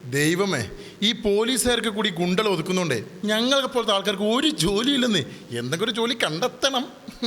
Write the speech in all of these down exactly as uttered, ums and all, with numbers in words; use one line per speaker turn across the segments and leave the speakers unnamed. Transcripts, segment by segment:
ദൈവമേ, ഈ പോലീസുകാർക്ക് കൂടി ഗുണ്ടൽ ഒതുക്കുന്നുണ്ടേ ഞങ്ങളെ പോലത്തെ ആൾക്കാർക്ക് ഒരു ജോലിയില്ലെന്ന്. എന്തെങ്കിലും ഒരു ജോലി കണ്ടെത്തണം.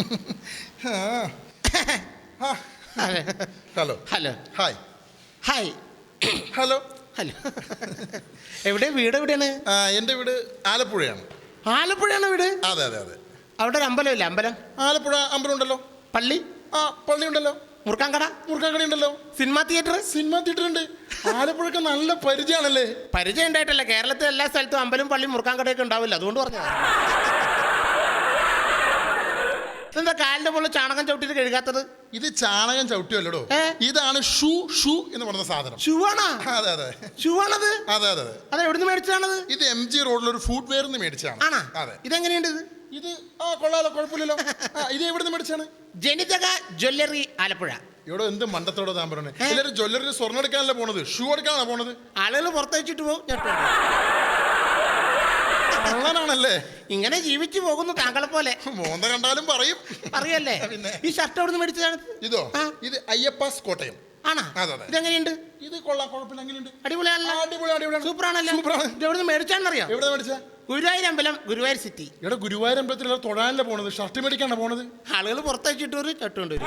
Hello
hello
hi
hi
hello
hello. എവിടെ വീട് എവിടെയാണ്?
എൻ്റെ വീട് ആലപ്പുഴയാണ്.
ആലപ്പുഴയാണ് വീട്?
അതെ അതെ അതെ.
അവിടെ ഒരു അമ്പലമില്ല? അമ്പലം
ആലപ്പുഴ അമ്പലം ഉണ്ടല്ലോ.
പള്ളി?
ആ പള്ളി ഉണ്ടല്ലോ.
മുറുക്കാൻകട?
മുറുക്കാൻകട ഉണ്ടല്ലോ.
Cinema theatre?
സിനിമാ തിയേറ്റർ ഉണ്ട്. ആലപ്പുഴക്ക് നല്ല പരിചയമാണല്ലേ?
പരിചയം ഉണ്ടായിട്ടല്ല, കേരളത്തിലെ എല്ലാ സ്ഥലത്തും അമ്പലം പള്ളി മുറുക്കാൻകടയൊക്കെ ഉണ്ടാവില്ല, അതുകൊണ്ട് പറഞ്ഞതാ. എന്താ കാലിന്റെ പോലെ ചാണകം ചവിട്ടിട്ട് കഴുകാത്തത്?
ഇത് ചാണകം ചവിട്ടിയല്ലോ, ഇതാണ് ഷൂ. ഷൂ എന്ന് പറയുന്ന സാധനം.
ഷൂ ആണോ?
അതെ അതെ.
ഷൂ ആണത്?
അതെ അതെ അതെ.
അത് എവിടുന്ന് മേടിച്ചതാണത്?
ഇത് എം ജി റോഡിൽ ഒരു ഫുഡ് വെയർ മേടിച്ചാണ്.
ആണോ?
അതെ.
ഇതെങ്ങനെയുണ്ട് ഇത്?
ഇത് ആ കൊള്ളാലോ, കുഴപ്പമില്ലല്ലോ. ഇത് എവിടുന്ന് മേടിച്ചാണ്?
ജനിതക ജ്വല്ലറി ആലപ്പുഴ.
ഇവിടെ എന്ത് മണ്ടത്തോടെ താൻ പറഞ്ഞത്? എല്ലാവരും ജ്വല്ലറി സ്വർണ്ണം എടുക്കാനല്ല പോണത്, ഷൂ എടുക്കാനാണ് പോണത്.
ആളുകൾ പുറത്തയച്ചിട്ട് പോകും.
കള്ളനാണല്ലേ?
ഇങ്ങനെ ജീവിച്ചു പോകുന്നു താങ്കളെ പോലെ.
മോന്ത കണ്ടാലും പറയും.
അറിയല്ലേ? ഈ ഷർട്ട് എവിടെ നിന്ന് മേടിച്ചതാണ്?
ഇതോ? ഇത് അയ്യപ്പാസ് കോട്ടയം.
ആണോ? ഇതെങ്ങനെയുണ്ട്?
ഇത് കൊള്ളാം, കുഴപ്പമില്ല. എങ്ങനെയുണ്ട്?
അടിപൊളിയാണല്ലോ.
അടിപൊളി അടിപൊളിയാണ്.
സൂപ്പറാണല്ലോ.
ഇത്
എവിടെ നിന്ന് മേടിച്ചാണെന്നറിയാം?
എവിടെ മേടിച്ചാ?
ഗുരുവായൂർ അമ്പലം, ഗുരുവായൂർ സിറ്റി.
ഇവിടെ ഗുരുവായൂർ അമ്പലത്തിൽ തൊഴാനല്ലേ പോണത്, ഷർട്ട് മേടിക്കാണ് പോണത്.
ആളുകൾ പുറത്തയച്ചിട്ട് ഒരു ഷർട്ട് കൊണ്ടുവരും.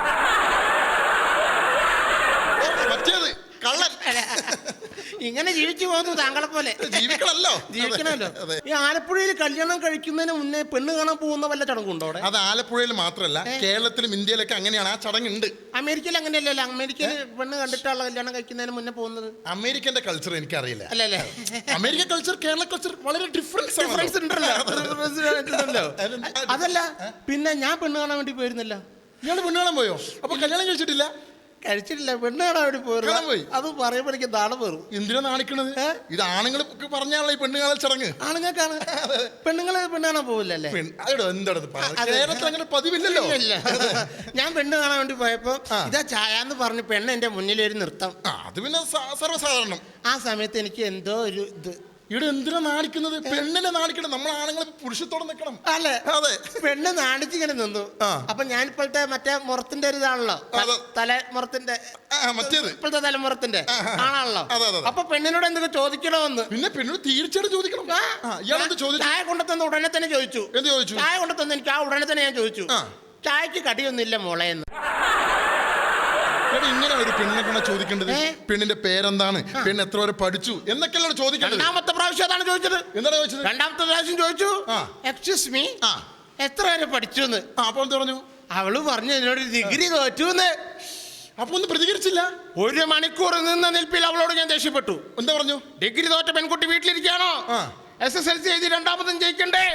മറ്റേത് കള്ളൻ.
ഇങ്ങനെ ജീവിച്ചു പോകുന്നു താങ്കളെ പോലെ.
ജീവിക്കണല്ലോ,
ജീവിക്കണമല്ലോ. ഈ ആലപ്പുഴയിൽ കല്യാണം കഴിക്കുന്നതിന് മുന്നേ പെണ്ണ് കാണാൻ പോകുന്ന വല്ല ചടങ്ങുണ്ടോ അവിടെ?
അത് ആലപ്പുഴയിൽ മാത്രമല്ല, കേരളത്തിലും ഇന്ത്യയിലൊക്കെ അങ്ങനെയാണ്. ആ ചടങ്ങുണ്ട്.
അമേരിക്കയിൽ അങ്ങനെയല്ലല്ലോ? അമേരിക്കയിൽ പെണ്ണ് കണ്ടിട്ടുള്ള കല്യാണം കഴിക്കുന്നതിന് മുന്നേ പോകുന്നത്.
അമേരിക്കന്റെ കൾച്ചർ എനിക്കറിയില്ല.
അല്ലല്ലേ?
അമേരിക്കൻ കൾച്ചർ കേരള കൾച്ചർ വളരെ ഡിഫറൻസ്
ഡിഫറൻസ് ഉണ്ടല്ലോ. അതല്ല, പിന്നെ ഞാൻ പെണ്ണ് കാണാൻ വേണ്ടി പോയിരുന്നല്ലോ.
ഇയാള് പെണ്ണ് കാണാൻ പോയോ? അപ്പൊ കല്യാണം കഴിച്ചിട്ടില്ല?
കഴിച്ചിട്ടില്ല, പെണ്ണ് കാണാൻ വേണ്ടി പോയി. അത് പറയുമ്പോഴേക്കും നാളെ പേറും.
എന്തിനാ നാണിക്കണത്? ഇത് ആണുങ്ങൾ പറഞ്ഞാണല്ലോ ഈ പെണ്ണ് കാണൽ ചടങ്ങ്.
ആണുങ്ങൾക്കാണ്. പെണ്ണുങ്ങള് പെണ്ണ് കാണാൻ പോവില്ലല്ലേ?
കേരളത്തിൽ അങ്ങനെ പതിവില്ലല്ലോ.
ഞാൻ പെണ്ണ് കാണാൻ വേണ്ടി പോയപ്പോ ഇതാ ചായ എന്ന് പറഞ്ഞ് പെണ്ണ് എന്റെ മുന്നിൽ ഒരു നൃത്തം.
അത് പിന്നെ സർവ്വസാധാരണം.
ആ സമയത്ത് എനിക്ക് എന്തോ ഒരു ഇത്.
ഇവിടെ എന്തിനാ നാണിക്കുന്നത്? പെണ്ണിനെ നാണിക്കണം. നമ്മൾ ആണുങ്ങൾ പുരുഷത്തോടെ നിൽക്കണം
അല്ലേ?
അതെ.
പെണ്ണ് നാണിച്ചിങ്ങനെ നിന്നു. അപ്പൊ ഞാൻ ഇപ്പോഴത്തെ മറ്റേ മുറത്തിന്റെ ഒരു ഇതാണല്ലോ, തലമുറത്തിന്റെ,
മറ്റേത്
ഇപ്പോഴത്തെ തലമുറത്തിന്റെ ആണാണല്ലോ.
അപ്പൊ
പെണ്ണിനോട് എന്തൊക്കെ ചോദിക്കണമെന്ന്.
പിന്നെ പെണ്ണോട് തീർച്ചയായിട്ടും ചോദിക്കണം.
ചായ കൊണ്ടുതന്ന ഉടനെ തന്നെ ചോദിച്ചു.
എന്ത് ചോദിച്ചു?
ചായ കൊണ്ടുതന്ന എനിക്ക് ആ ഉടനെ തന്നെ ഞാൻ ചോദിച്ചു, ചായക്ക് കടിയൊന്നുമില്ല മോളെ എന്ന്.
ഇങ്ങനെ ഒരു പെണ്ണിനെ കൊണ്ടാ ചോദിക്കേണ്ടത്. പെണ്ണിന്റെ പേരെന്താണ്, പെണ്ണ് എത്ര വരെ പഠിച്ചു എന്നൊക്കെയല്ലോ ചോദിക്കേണ്ടത്.
രണ്ടാമത്തെ പ്രാവശ്യം അതാണ് ചോദിച്ചത്.
എന്താണ് ചോദിച്ചത്?
രണ്ടാമത്തെ പ്രാവശ്യം ചോദിച്ചു, എക്സ്ക്യൂസ് മീ, എത്ര വരെ പഠിച്ചു എന്ന്.
അപ്പൊ എന്ത് പറഞ്ഞു?
അവള് പറഞ്ഞു എന്നോട് ഡിഗ്രി തോറ്റു എന്ന്.
അപ്പൊ ഒന്നും പ്രതികരിച്ചില്ല.
ഒരു മണിക്കൂർ നിന്ന നിൽപ്പിൽ അവളോട് ഞാൻ ദേഷ്യപ്പെട്ടു.
എന്താ പറഞ്ഞു?
ഡിഗ്രി തോറ്റ പെൺകുട്ടി വീട്ടിലിരിക്കുകയാണോ? എസ് എസ് എൽ സി എഴുതി രണ്ടാമതും ജയിക്കണ്ടേ?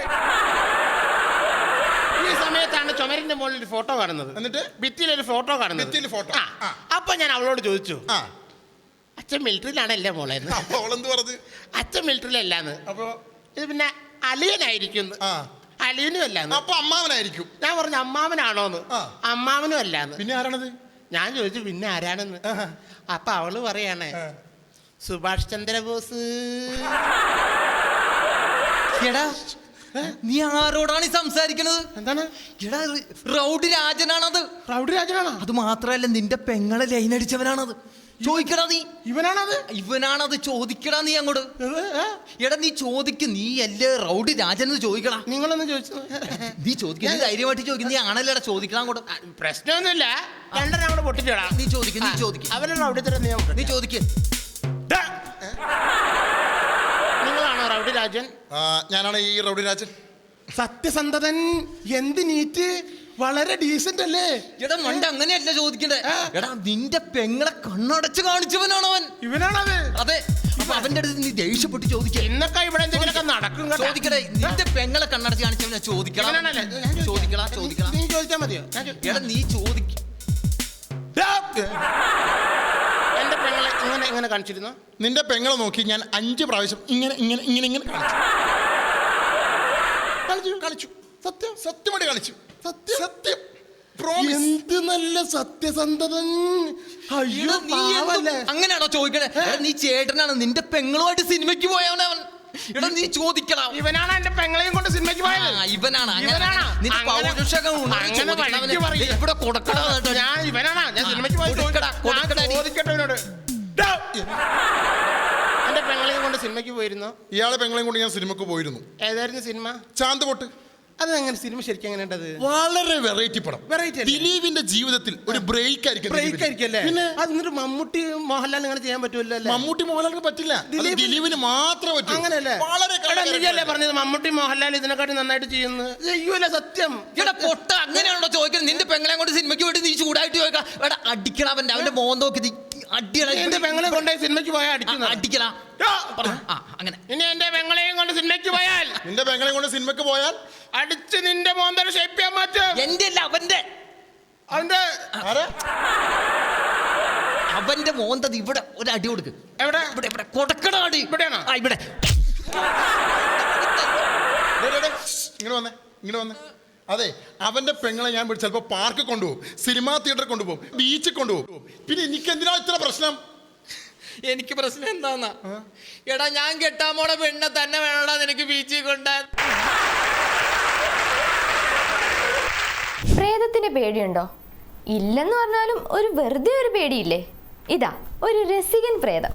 ഈ സമയത്താണ് ചുമരിന്റെ മുകളിൽ ഒരു ഫോട്ടോ കാണുന്നത്. എന്നിട്ട് ഭിത്തിയിലൊരു ഫോട്ടോ കാണുന്നത്. ഫോട്ടോ. അപ്പൊ ഞാൻ അവളോട് ചോദിച്ചു, അച്ഛൻ മിലിറ്ററിയിലാണല്ലേ മോളെ? അച്ഛൻ മിലിറ്ററിയിലല്ലാന്ന്. അപ്പൊ ഇത് പിന്നെ അലിയനായിരിക്കും. അലിയനും അല്ലാന്ന്.
അപ്പൊ അമ്മാവനായിരിക്കും.
ഞാൻ പറഞ്ഞു അമ്മാവനാണോന്ന്. അമ്മാവനും അല്ലാന്ന്.
പിന്നെ ആരാണത്?
ഞാൻ ചോദിച്ചു പിന്നെ ആരാണെന്ന്. അപ്പൊ അവള് പറയാണ് സുഭാഷ് ചന്ദ്രബോസ്.
എടാ നീ ആരോടാണ് ഈ സംസാരിക്കണത്?
എന്താണ്?
എടാ റൗഡി രാജനാണത്.
റൗഡി രാജനാണോ?
അത് മാത്രല്ല നിന്റെ പെങ്ങളെ ലൈൻ അടിച്ചവനാണത്. ചോദിക്കടാ നീ.
ഇവനാണത്?
ഇവനാണത്. ചോദിക്കടാ നീ അങ്ങോട്ട്. എടാ നീ ചോദിക്ക്. നീ അല്ലേ റൗഡി രാജൻ ചോദിക്കടാ.
നിങ്ങളൊന്നും ചോദിച്ചു?
നീ ചോദിക്ക. നീ ധൈര്യമായിട്ട് ചോദിക്കും. നീ ആണല്ലേടാ ചോദിക്കണം അങ്ങോട്ട്.
പ്രശ്നമൊന്നുമില്ല, രണ്ടെണ്ണം അങ്ങോട്ട് പൊട്ടിച്ചോടാ.
നീ ചോദിക്കും. നീ ചോദിക്കും.
അവരുടെ റൗഡി തരം നീ ചോദിക്കും. നിങ്ങളാണോ റൗഡി രാജൻ?
ഞാനാണ് ഈ റൗഡി രാജൻ.
സത്യസന്ധതൻ. എന്ത് നീറ്റ്, വളരെ ഡീസന്റ് അല്ലേ?
എടാ മണ്ട അങ്ങനെയല്ല ചോദിക്കണ്ടേ. എടാ നിന്റെ പെങ്ങളെ കണ്ണടച്ച് കാണിച്ചവനാണ് അവൻ.
ഇവനാണത്?
അതെ. അപ്പൊ അവന്റെ അടുത്ത് നീ ദേഷ്യപ്പെട്ട് ചോദിക്കുക.
ഇന്നൊക്കെ ഇവിടെ എന്തെങ്കിലുമൊക്കെ നടക്കും.
ചോദിക്കടേ. നിന്റെ പെങ്ങളെ കണ്ണടച്ച് കാണിച്ചവനാ. ചോദിക്കണം. ചോദിക്കടാ ചോദിക്കണം.
നീ ചോദിച്ചാൽ മതിയോ?
എടാ നീ ചോദിക്ക.
എന്റെ പെങ്ങളെ ഇങ്ങനെ ഇങ്ങനെ കാണിച്ചിരുന്നു.
നിന്റെ പെങ്ങളെ നോക്കി ഞാൻ അഞ്ച് പ്രാവശ്യം ഇങ്ങനെ ഇങ്ങനെ ഇങ്ങനെ ഇങ്ങനെ കളിച്ചു കളിച്ചു സത്യം സത്യമായിട്ട് കളിച്ചു. സത്യം സത്യം.
എന്ത് നല്ല സത്യസന്ധതൻ.
അങ്ങനെയാണോ ചോദിക്കണേ? നീ ചേട്ടനാണ്. നിന്റെ പെങ്ങളുമായിട്ട് സിനിമയ്ക്ക് പോയവനവൻ. എടാ നീ ചോദിക്കണം.
ഇവനാണ് എന്റെ പെങ്ങളെയും കൊണ്ട് സിനിമയ്ക്ക് പോയത്.
ഇവനാണ്. ഇവിടെ കൊടുക്കണം.
ഞാൻ ഇവനാണ്. ഞാൻ സിനിമയ്ക്ക് പോയി ചോദിക്കട്ടെ ഇവനോട്. എന്റെ പെങ്ങളെയും കൊണ്ട് സിനിമയ്ക്ക് പോയിരുന്നോ?
ഇയാളെ പെങ്ങളെയും കൊണ്ട് ഞാൻ സിനിമക്ക് പോയിരുന്നു.
ഏതായിരുന്നു സിനിമ?
ചാന്ത് പൊട്ട്.
അത് അങ്ങനെ സിനിമ ശരിക്കും എങ്ങനെ ഉണ്ടത്?
വളരെ വെറൈറ്റി പടം.
വെറൈറ്റി
ദിലീപിന്റെ ജീവിതത്തിൽ ഒരു ബ്രേക്ക് ആയിരിക്കും.
ബ്രേക്ക് ആയിരിക്കും അല്ലേ?
പിന്നെ
അതിനൊരു മമ്മൂട്ടി മോഹൻലാൽ അങ്ങനെ ചെയ്യാൻ പറ്റുമല്ലോ അല്ലേ?
മമ്മൂട്ടി മോഹൻലാലിന് പറ്റില്ല, ദിലീപിന് മാത്രമേ പറ്റൂ.
അങ്ങനെയല്ലേ?
വളരെ
പറഞ്ഞത് മമ്മൂട്ടി മോഹൻലാൽ ഇതിനെക്കാട്ടി നന്നായിട്ട് ചെയ്യുന്നു. ചെയ്യൂല സത്യം.
എടാ പൊട്ട, അങ്ങനെയാണോ ചോദിക്കുന്നത്? നിന്റെ പെങ്ങളെ കൊണ്ട് സിനിമയ്ക്ക് പോയിട്ട് നീ ചൂടായിട്ട് ചോദിക്കാം. എടാ അടിക്കണ അവന്റെ അവന്റെ മോൻ നോക്കി നീ അടിയടാ.
എന്റെ പെങ്ങളെ കൊണ്ടുപോയി സിനിമയ്ക്ക് പോയാൽ അടിക്കുന്ന
അടിക്കലാ. അങ്ങനെ
ഇനി എന്റെ പെങ്ങളെയും കൊണ്ട് സിനിമയ്ക്ക് പോയാൽ
നിന്റെ പെങ്ങളെ കൊണ്ട് സിനിമയ്ക്ക് പോയാൽ
അടിച്ച് നിന്റെ മോന്തര ഷേപ്പ് ചെയ്യാൻ മാറ്റും.
എന്റെ അല്ല അവന്റെ
അവന്റെ
അവന്റെ മോന്തത് ഇവിടെ ഒരു അടി കൊടുക്ക്.
എവിടെ?
ഇവിടെ ഇവിടെ കൊടുക്കണ അടി.
ഇവിടെയാണോ?
ആ ഇവിടെ.
ഇങ്ങനെ വന്നേ, ഇങ്ങനെ വന്നേ. അതെ, അവന്റെ പെങ്ങളെ ഞാൻ ചിലപ്പോ പാർക്ക് കൊണ്ടുപോകും, സിനിമാ തിയേറ്ററിൽ കൊണ്ടുപോകും, ബീച്ചിൽ കൊണ്ടുപോകും. പിന്നെ എനിക്ക് എന്തിനാ ഇത്ര പ്രശ്നം?
എനിക്ക് പ്രശ്നം എന്താന്നാ? എടാ ഞാൻ കെട്ടാൻ പോണ പെണ്ണെ തന്നെ വേണോടാ നിനക്ക് ബീച്ചിൽ കൊണ്ടാൻ.
പ്രേതത്തിന് പേടിയുണ്ടോ? ഇല്ലെന്ന് പറഞ്ഞാലും ഒരു വെറുതെ ഒരു പേടിയില്ലേ? ഇതാ ഒരു രസികൻ പ്രേതം.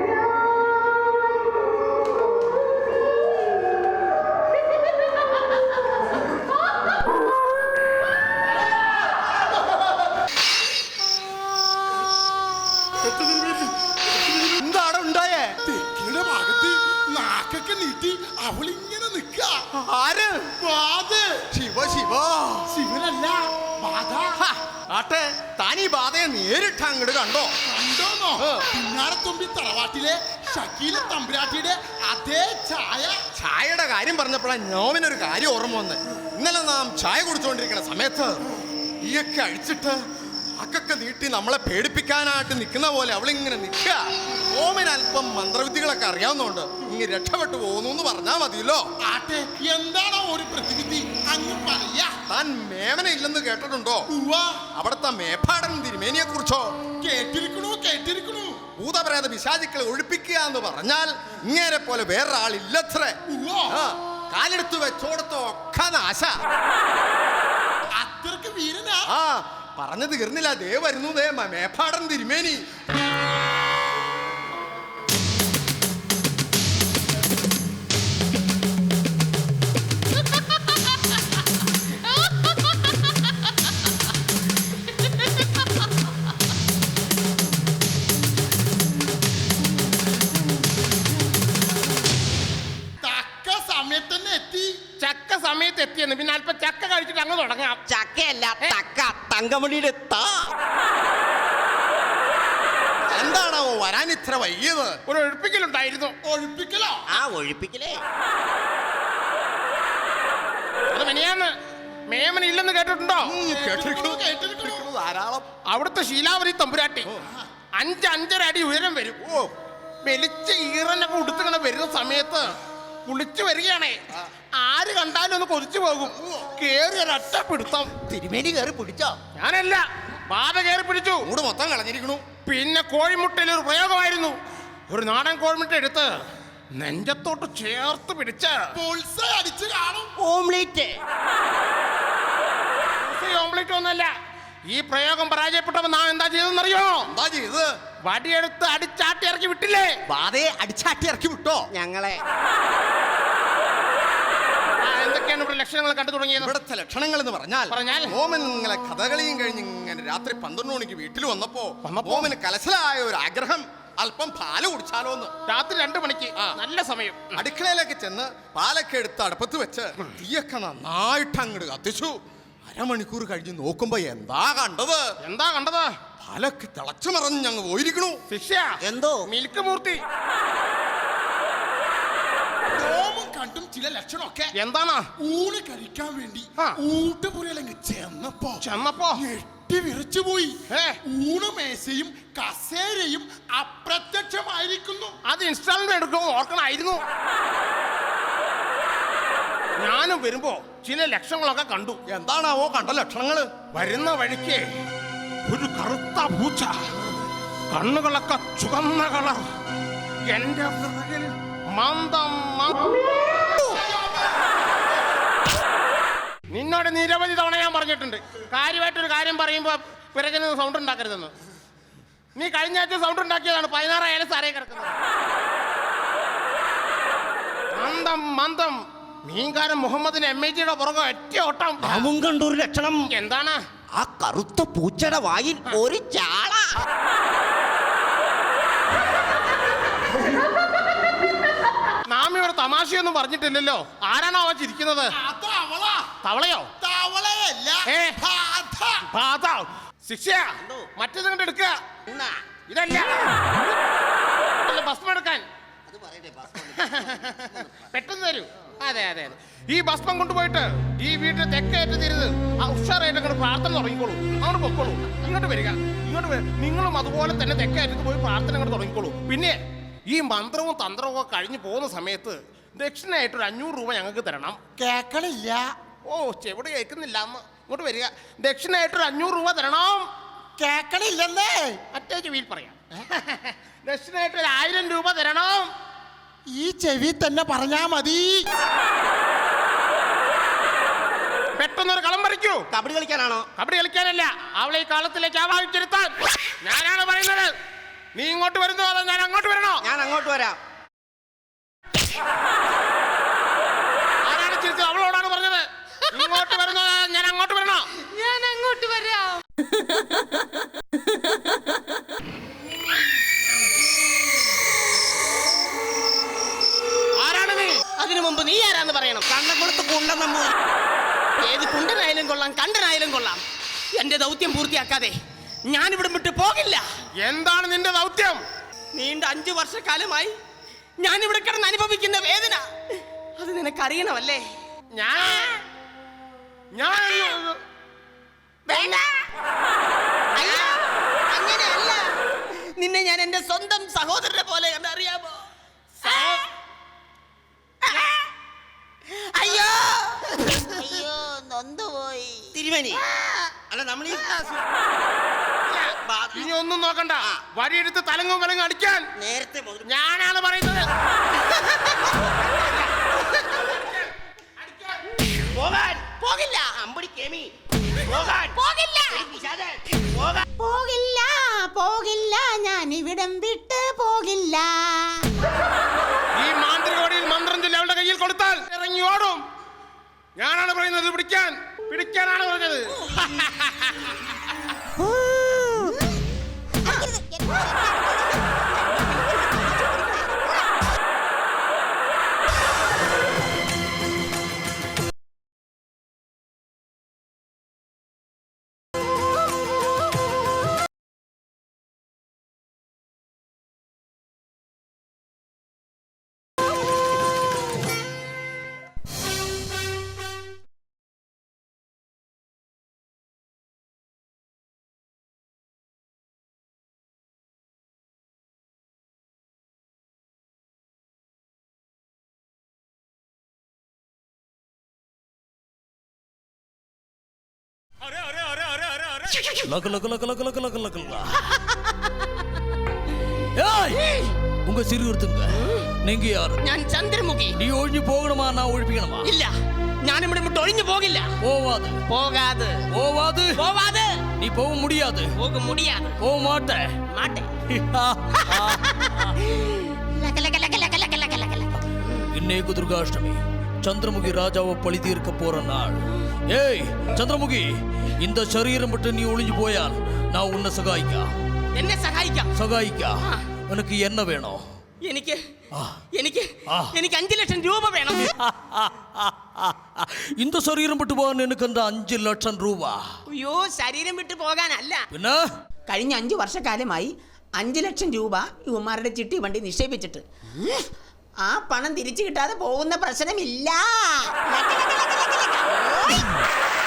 എന്താണ് ഉണ്ടായേ?
തെക്കിയുടെ ഭാഗത്ത് നാക്കൊക്കെ നീട്ടി അവളിങ്ങനെ നിക്ക.
ആര്?
ശിവ ശിവ ശിവനല്ല, ബാധ.
ആട്ടെ, താൻ ഈ ബാധയെ നേരിട്ട് അങ്ങോട്ട് കണ്ടോ?
കണ്ടോന്നോ? പിന്നാരത്തുമ്പി തറവാട്ടിലെ ഷക്കീല തമ്പുരാട്ടിയുടെ അതേ ചായ.
ചായയുടെ കാര്യം പറഞ്ഞപ്പോഴാണ് നോമിനൊരു കാര്യം ഓർമ്മ വന്ന്. ഇന്നലെ നാം ചായ കുടിച്ചുകൊണ്ടിരിക്കുന്ന സമയത്ത് ഈയൊക്കെ അഴിച്ചിട്ട് അക്കൊക്കെ നീട്ടി നമ്മളെ പേടിപ്പിക്കാനായിട്ട് നിൽക്കുന്ന പോലെ അവളിങ്ങനെ നിൽക്കുക. ഓമിന് അല്പം മന്ത്രവിദ്യകളൊക്കെ അറിയാവുന്നതുകൊണ്ട് ഇങ്ങനെ രക്ഷപ്പെട്ടു പോകുന്നു എന്ന് പറഞ്ഞാൽ മതിയല്ലോ.
ആട്ടെ, എന്താണോ ഒരു പ്രതിവിധി അങ്ങ് പറയാ.
താൻ മേമന ഇല്ലെന്ന് കേട്ടിട്ടുണ്ടോ?
ഉവ്വ.
അവിടുത്തെ മേപ്പാടൻ തിരുമേനിയെ കുറിച്ചോ?
കേട്ടിരിക്കണു കേട്ടിരിക്കണു.
ഭൂതപ്രേത പിശാചുക്കളെ ഒഴിപ്പിക്കുക എന്ന് പറഞ്ഞാൽ ഇങ്ങേരെ പോലെ വേറൊരാളില്ലത്രേ.
ഉവ്വ.
കാലെടുത്ത് വെച്ചോടത്തോ ഒക്കെ നാശ.
അത്രക്ക് വീരനാ.
ആ പറഞ്ഞു തീർന്നില്ല, ദേ വരുന്നു ദേ മേപ്പാടൻ തിരുമേനി.
തക്ക സമയത്ത് തന്നെ എത്തി.
ചക്ക സമയത്ത് എത്തിയെന്ന് പിന്നെ അല്പം ചക്ക കഴിച്ചിട്ട് അങ്ങ് തുടങ്ങാം.
ചക്കയല്ല തക്ക, തങ്കമണിയുടെ താ.
എന്താണോ വരാൻ ഇത്ര വൈകിയത്? ഒരു ഒഴിപ്പിക്കലുണ്ടായിരുന്നു.
ഒഴിപ്പിക്കലോ?
ആ ഒഴിപ്പിക്കലേ.
അത് മെനിയാന്ന് മേമന ഇല്ലെന്ന് കേട്ടിട്ടുണ്ടോ?
കേട്ടിരിക്കണു കേട്ടിരിക്കണു.
ധാരാളം. അവിടുത്തെ ശീലാവതി തമ്പുരാട്ടി അഞ്ച് അഞ്ചര അടി ഉയരം വരും. ഓ, വെളിച്ച ഈറനൊക്കെ ഉടുത്തിങ്ങനെ വരുന്ന സമയത്ത് കുളിച്ചു വരികയാണേ. ആര് കണ്ടാലും ഒന്ന് കൊതിച്ചു പോകും. കേറി ഒരൊറ്റ പിടുത്തം.
തിരുമേനി കയറി പിടിച്ചോ?
ഞാനല്ല, ബാധ കയറി പിടിച്ചു.
മൂട് മൊത്തം കളഞ്ഞിരിക്കണു.
പിന്നെ കോഴിമുട്ടയിൽ ഒരു പ്രയോഗമായിരുന്നു. ഒരു നാടൻ കോഴിമുട്ട എടുത്ത് നെഞ്ചത്തോട്ട് ചേർത്ത് പിടിച്ച്
ബോൾസൈ അടിച്ച് കാണും.
ഓംലേറ്റ്.
ഓംലെറ്റ് ഒന്നല്ല. ഈ പ്രയോഗം പരാജയപ്പെട്ടപ്പോ നാം എന്താ ചെയ്തെന്നറിയോ?
എന്താ ചെയ്ത്?
വടിയെടുത്ത് അടിച്ചാട്ടി ഇറക്കി വിട്ടില്ലേ?
ബാധയെ അടിച്ചാട്ടി ഇറക്കി വിട്ടോ ഞങ്ങളെ.
എന്തൊക്കെയാണ് ഇവിടെ ലക്ഷണങ്ങൾ കണ്ടു തുടങ്ങിയത്?
ഇവിടുത്തെ ലക്ഷണങ്ങൾ എന്ന് പറഞ്ഞാൽ
പറഞ്ഞാൽ?
ഓമൻ ഇങ്ങനെ കഥകളിയും കഴിഞ്ഞ് ഇങ്ങനെ രാത്രി പന്ത്രണ്ട് മണിക്ക് വീട്ടിൽ വന്നപ്പോ
വന്നപ്പോ?
ഓമന് കലശലായ ഒരു ആഗ്രഹം, അല്പം പാല് കുടിച്ചാലോന്ന്.
രാത്രി രണ്ടു മണിക്ക് നല്ല സമയം.
അടുക്കളയിലേക്ക് ചെന്ന് പാലൊക്കെ എടുത്ത് അടുപ്പത്ത് വെച്ച് തീയൊക്കെ നന്നായിട്ട് അങ്ങോട്ട് കത്തിച്ചു. അരമണിക്കൂർ കഴിഞ്ഞ് നോക്കുമ്പോ എന്താ കണ്ടത്?
എന്താ കണ്ടത്?
പാലൊക്കെ തിളച്ചു മറഞ്ഞ് ഞങ്ങൾ പോയിരിക്കണു.
ശിക്ഷ
എന്തോ
മിൽക്ക് മൂർത്തി.
രോമം കണ്ടും ചില ലക്ഷണമൊക്കെ.
എന്താണ്?
ഊണ് കഴിക്കാൻ വേണ്ടി
ആ.
ഊട്ടുപുരയിലങ്ങ് ചെന്നപ്പോ
ചെന്നപ്പോ
ഞെട്ടി വിറച്ചുപോയി.
ഏ?
ഊണുമേശയും കസേരയും അപ്രത്യക്ഷമായിരിക്കുന്നു.
അത് ഇൻസ്റ്റാൾമെന്റ് എടുക്കുമോ ഓർക്കണായിരുന്നു. ഞാനും വരുമ്പോ ചില ലക്ഷണങ്ങളൊക്കെ കണ്ടു.
എന്താണാവോ കണ്ട ലക്ഷണങ്ങള്?
വരുന്ന വഴിക്ക് ഒരു കറുത്ത പൂച്ച, കണ്ണുകളൊക്കെ ചുവന്ന കളർ, എന്റെ പിറകിൽ മന്ദം മ- നിന്നോട് നിരവധി തവണ ഞാൻ പറഞ്ഞിട്ടുണ്ട്, കാര്യമായിട്ടൊരു കാര്യം പറയുമ്പോ പിറകിൽ നിന്ന് സൗണ്ട് ഉണ്ടാക്കരുതെന്ന്. നീ കഴിഞ്ഞ ആഴ്ച സൗണ്ട് ഉണ്ടാക്കിയതാണ്. പതിനാറായാലും സാറേ കിടക്കുന്നത്. മന്ദം മന്ദം മീൻകാരൻ മുഹമ്മദിന് എം എ ജിയുടെ പുറകെ ഒറ്റ ഓട്ടം.
അവൻ കണ്ടൊരു ലക്ഷണം.
എന്താണ്?
ആ കറുത്ത പൂച്ചയുടെ വായിൽ ഒരു ചാള.
നാമിയോട് തമാശയൊന്നും പറഞ്ഞിട്ടില്ലല്ലോ. ആരാണോ അവൻ ചിരിക്കുന്നത്? തവളയോ?
തവളയല്ല,
ഏ?
ബാധ.
ബാധ. ശിക്ഷ മറ്റേത് കണ്ട് എടുക്കുക. ഇതല്ല അല്ല, ഭസ്മം എടുക്കാൻ പെട്ടെന്ന് തരൂ. അതെ അതെ അതെ. ഈ ഭസ്മം കൊണ്ടുപോയിട്ട് ഈ വീട്ടിൽ തെക്കേറ്റ് തിരുത് ആ ഉഷാറായിട്ട് അങ്ങോട്ട് പ്രാർത്ഥന തുടങ്ങിക്കോളൂ. അങ്ങോട്ട് പൊക്കോളൂ. ഇങ്ങോട്ട് വരിക, ഇങ്ങോട്ട് വരിക. നിങ്ങളും അതുപോലെ തന്നെ തെക്കേറ്റത്ത് പോയി പ്രാർത്ഥന അങ്ങോട്ട് തുടങ്ങിക്കോളൂ. പിന്നെ ഈ മന്ത്രവും തന്ത്രവും ഒക്കെ കഴിഞ്ഞ് പോകുന്ന സമയത്ത് ദക്ഷിണയായിട്ട് ഒരു അഞ്ഞൂറ് രൂപ ഞങ്ങൾക്ക് തരണം.
കേക്കണില്ല.
ഓ, ചെവിടെ കേൾക്കുന്നില്ല അമ്മ. ഇങ്ങോട്ട് വരിക. ദക്ഷിണയായിട്ട് ഒരു അഞ്ഞൂറ് രൂപ തരണം.
കേക്കണില്ലെന്നേ.
മറ്റേ ചെവിയിൽ പറയാം. ദക്ഷിണയായിട്ട് ഒരു ആയിരം രൂപ തരണം.
ഈ ചെവി തന്നെ പറഞ്ഞാ മതി.
പെട്ടെന്നൊരു കളം പറിക്കൂ.
കബഡി കളിക്കാനാണോ?
കബഡി കളിക്കാനല്ല, അവളെ ഈ കാലത്തിലേക്ക് ആവാഹിച്ചിരുത്താൻ ഞാനാണ് പറയുന്നത്. നീ ഇങ്ങോട്ട് വരുന്നോ അതോ ഞാൻ അങ്ങോട്ട് വരണോ?
ഞാൻ അങ്ങോട്ട് വരാം.
ആരാണ് ചിരിച്ചത്? അവളോടാണ് പറഞ്ഞത്. ഇങ്ങോട്ട് വരുന്നോ അതോ ഞാൻ അങ്ങോട്ട് വരണോ?
ഞാൻ അങ്ങോട്ട് വരാം.
ആരാണ് നീ?
അതിനു മുമ്പ് നീ ആരാന്ന് പറയണം.
കണ്ണക്കുളത്ത് കുണ്ടൻ നമ്മൾ.
ഏത് കുണ്ടനായാലും കൊള്ളാം, കണ്ടനായാലും കൊള്ളാം. എന്റെ ദൗത്യം പൂർത്തിയാക്കാതെ ഞാനിവിടെ വിട്ട് പോകില്ല.
എന്താണ് നിന്റെ ദൗത്യം?
നീണ്ട അഞ്ചു വർഷക്കാലമായി ഞാനിവിടെ കിടന്ന് അനുഭവിക്കുന്ന വേദന അത് നിനക്കറിയണമല്ലേ?
ഞാൻ ഞാൻ
വേണ്ട. അയ്യോ, അങ്ങനെയല്ല. നിന്നെ ഞാൻ എന്റെ സ്വന്തം സഹോദരനെ പോലെ കണ്ടറിയാമോ? അയ്യോ അയ്യോ, നൊന്തുപോയി.
തിരുമേനി, അല്ല നമ്മൾ
ഇനി ഒന്നും നോക്കണ്ട. വഴിയെടുത്ത് തലങ്ങും വിലങ്ങും അടിക്കാൻ
നേരത്തെ മുതൽ
ഞാനാണ് പറയുന്നത്.
പോകാൻ.
പോകില്ല.
അമ്പടി കേമി. പോകാൻ.
പോകില്ല.
പോകാൻ.
പോകില്ല പോകില്ല ഞാൻ ഇവിടം വിട്ട് പോകില്ല.
ഈ മാന്ത്രികോടിയിൽ മന്ത്രം ചൊല്ലി അവളുടെ കയ്യിൽ കൊടുത്താൽ ഇറങ്ങി ഓടും. ഞാനാണ് പറയുന്നത് പിടിക്കാൻ. പിടിക്കാനാണ് പറഞ്ഞത്.
லக லக லக லக லக லக லக லக. ஏய், உங்க சிறு ஒருத்தங்க நீங்க யாரு?
ഞാൻ ചന്ദ്രമുഖി.
നീ ഒഴിഞ്ഞു പോകണമാ ഞാൻ ഒഴിപ്പിക്കണമാ?
ഇല്ല, ഞാനിവിടെ വിട്ട് ഒഴിഞ്ഞു പോകില്ല.
போவாது
പോകാതെ
போவாது
പോവാതെ
நீ போக முடியாது.
പോക മുടിയാതെ
போக மாட்டே.
മാട്ടെ. ലക ലക ലക ലക ലക ലക ലക ലക.
இன்னைக்கு துர்காஷ்டமி, சந்திரமுகி ராஜாவை பழி தீர்க்க போற நாள். ஏய் சந்திரமுகி, இந்த சரீரம் விட்டு நீ ஒளிஞ்சு போயால் நான் உன்னை சகாயிக்கா
എന്നെ സഹായിക്കാം.
சகாயிக்கா எனக்கு என்ன வேணும்?
എനിക്ക് എനിക്ക്
ആ.
എനിക്ക് അഞ്ചു ലക്ഷം രൂപ വേണം.
இந்த சரீரம் விட்டு போகாൻ எனக்கு அந்த അഞ്ച് ലക്ഷം രൂപ.
അയ്യോ, ശരീരം വിട്ടു പോകാനല്ല.
പിന്നെ
കഴിഞ്ഞ അഞ്ചു വർഷക്കാലമായി അഞ്ചു ലക്ഷം രൂപ ഇവന്മാരുടെ ചിട്ടി വണ്ടി നിക്ഷേപിച്ചിട്ട് ആ പണം തിരിച്ചു കിട്ടാതെ പോകുന്ന പ്രശ്നമില്ല. ലക, ലക, ലക, ലക, ലക. ഓയ്.